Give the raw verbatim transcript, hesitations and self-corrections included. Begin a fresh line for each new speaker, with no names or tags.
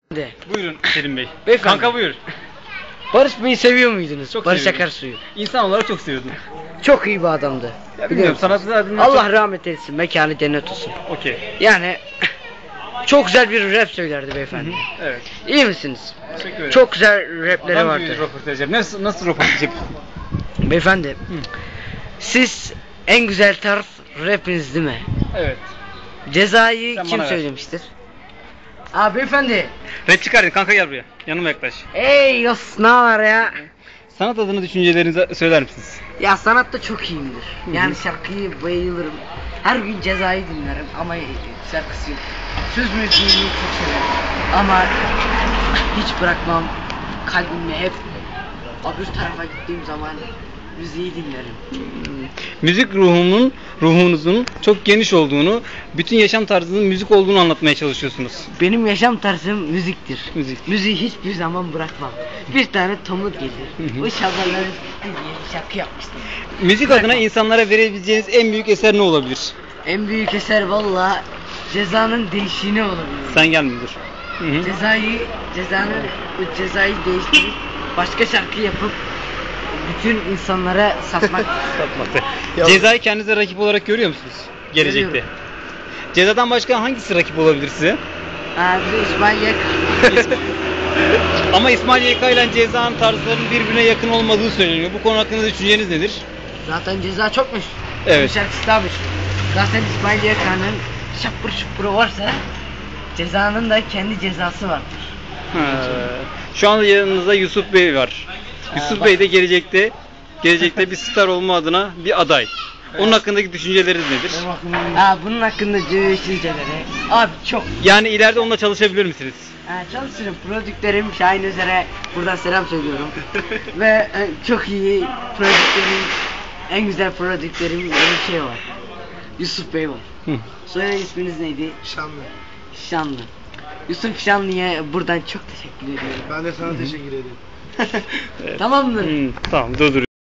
De.
Buyurun Selim Bey.
Beyefendi.
Kanka buyur.
Barış Bey'i seviyor muydunuz?
Çok
Barış
seviyorum.
Akarsu'yu.
İnsan olarak çok seviyordum.
Çok iyi bir adamdı.
Ya
Biliyor
bilmiyorum
musun?
sanatçı adına
Allah
çok...
rahmet eylesin. Mekanı cennet olsun.
Okey.
Yani çok güzel bir rap söylerdi beyefendi.
Evet.
İyi misiniz?
Teşekkür ederim.
Çok güzel rapleri
Adam
vardı.
gibi röportaj yap. Nasıl, nasıl röportaj yap?
Beyefendi, siz en güzel tarz rapiniz değil mi?
Evet.
Cezayı
Sen
kim
bana ver.
söylemiştir? Aa beyefendi.
Rap çıkardın kanka gel buraya. Yanıma yaklaş.
Ey yos ne var ya?
Sanat adına düşüncelerinizi söyler misiniz?
Ya sanatta çok iyiyimdir. Yani şarkıyı bayılırım. Her gün Cezayı dinlerim ama şarkısı yok. Söz müziğini çok severim. Ama hiç bırakmam. Kalbimle hep öbür tarafa gittiğim zaman müziği dinlerim.
Müzik ruhumun, ruhunuzun çok geniş olduğunu, bütün yaşam tarzının müzik olduğunu anlatmaya çalışıyorsunuz.
Benim yaşam tarzım müziktir.
Müzik.
Müziği hiçbir zaman bırakmam. Bir tane Tomut gelir.
Hı hı.
O şabaları diye bir şarkı yapmıştım.
Müzik adına insanlara verebileceğiniz en büyük eser ne olabilir?
En büyük eser valla Ceza'nın değişini olabilir.
Sen gel müdür. Hı hı.
Cezayı, cezanın bu cezayı değiştirip başka şarkı yapıp bütün insanlara satmak.
Satmakta. Cezayı kendinize rakip olarak görüyor musunuz? Gelecekte.
Görüyorum.
Cezadan başka hangisi rakip olabilir size?
Ha bir de İsmail Yaka.
Ama İsmail Y K ile Ceza'nın tarzlarının birbirine yakın olmadığı söyleniyor. Bu konu hakkında düşünceniz nedir?
Zaten Ceza çokmuş.
Evet.
Bu şarkısı da meşhur. Zaten İsmail Yaka'nın şapır şupuru varsa Ceza'nın da kendi cezası vardır.
Ha. Şu anda yanınızda Yusuf Bey var. Yusuf
bak.
Bey de gelecekte gelecekte bir star olma adına bir aday. Onun hakkındaki düşünceleriniz nedir?
Ha bunun hakkında düşünceleri. Abi çok.
Yani ileride onunla çalışabilir misiniz?
Ha, çalışırım. Prodüktörüm Şahin Özer'e buradan selam söylüyorum. Ve e, çok iyi prodüktörüm, en güzel prodüktörüm bir şey var. Yusuf Bey var.
Hı.
Soyadı isminiz neydi?
Şanlı.
Şanlı. Yusuf Şanlı'ya buradan çok teşekkür ediyorum.
Ben de sana teşekkür ederim.
Tamam mı?
Hı, tamam dur dur.